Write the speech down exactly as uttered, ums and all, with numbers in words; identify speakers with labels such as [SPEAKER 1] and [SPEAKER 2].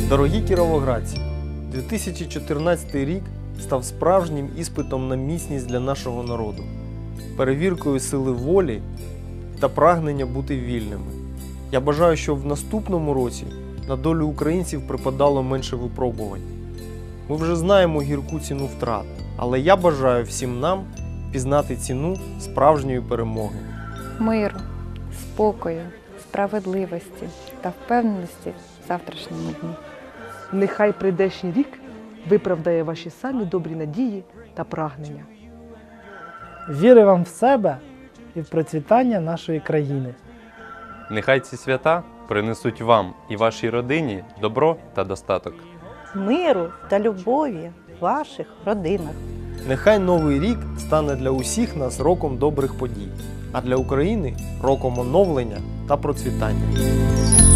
[SPEAKER 1] Дорогі кіровоградці, дві тисячі чотирнадцятий рік став справжнім іспитом на міцність для нашого народу, перевіркою сили волі та прагнення бути вільними. Я бажаю, щоб в наступному році на долю українців припадало менше випробувань. Ми вже знаємо гірку ціну втрат, але я бажаю всім нам пізнати ціну справжньої перемоги.
[SPEAKER 2] Миру, спокою, справедливості та впевненості в завтрашньому дні.
[SPEAKER 3] Нехай прийдешній рік виправдає ваші самі добрі надії та прагнення.
[SPEAKER 4] Віри вам в себе і в процвітання нашої країни.
[SPEAKER 5] Нехай ці свята принесуть вам і вашій родині добро та достаток.
[SPEAKER 6] Миру та любові в ваших родинах.
[SPEAKER 1] Нехай новий рік стане для усіх нас роком добрих подій, а для України – роком оновлення та процвітання.